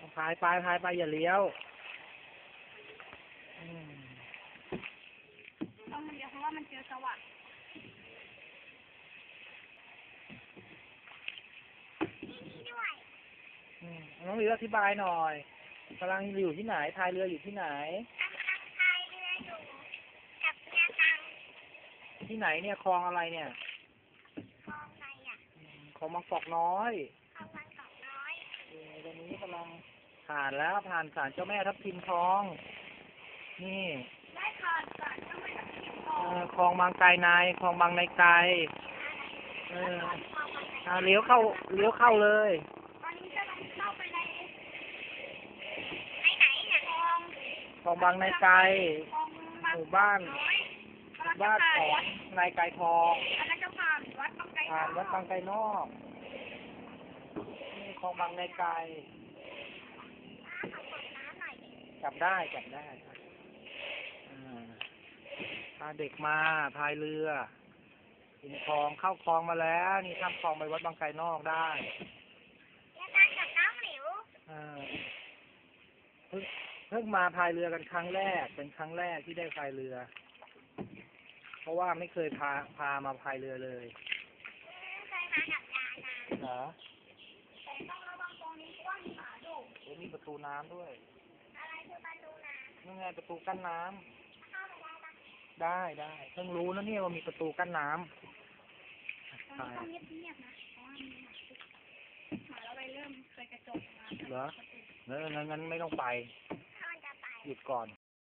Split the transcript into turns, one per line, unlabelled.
พายไปอย่าเลี้ยว
ต้องเลี้ยวเพราะว่ามันเจอสวัสดิ์นี่ด้วย
น้องหลิวอธิบายหน่อยกำลังอยู่ที่ไหนพายเรืออยู่ที่ไหน
กำลังพายเรืออยู่กับเรือตัง
ที่ไหนเนี่ยคลองอะไรเนี่ย
คลองไหนอ่ะ
คลองบางกอกน้อย
คลองบางกอกน้อย
ตอนนี้กำลังผ่านแล้วผ่านศาลเจ้าแม่ทับทิมทองนี่
ได้ผ่านศาลเจ้าแม่ทับทิมทอง
คลองบางไกรในคลองบางในไกรเลี้ยวเข้าเลย
ตอนนี้กำลังเข้าไปในไหนเนี่ย
คลองบางในไกรหมู่บ้านของนายไกรทอง
แล้วก็ผ่านวัดบางไกร
วัดบางไกรนอกนี่คลองบางในไกรจับได้พาเด็กมาพายเรือถึงคลองเข้าคลองมาแล้วนี่ข้ามคลองไปวัดบางไกรนอกได้
แล้วการกับน้องหลิว
เพิ่งมาพายเรือกันครั้งแรกเป็นครั้งแรกที่ได้พายเรือเพราะว่าไม่เคยพามาพายเรือเลย
เคยมากับยายนะ
เหรอ
แต่ต้องระวังตรงนี้เพราะว่ามีหมาดุ
มีประตูน้ำด้วย
อะไรคือประตูน้ำ
นี่ไงประตูกั้นน้ำ
เข้าไปได้ปะ
ได้เพิ่งรู้นะเนี่ยว่ามีประตูกั้นน้ำ
ต้องเงียบๆนะเพราะว่ามีหมาเราไปเริ่มเคยกระจกมา
เหรองั้นไม่ต้องไปหยุดก่อน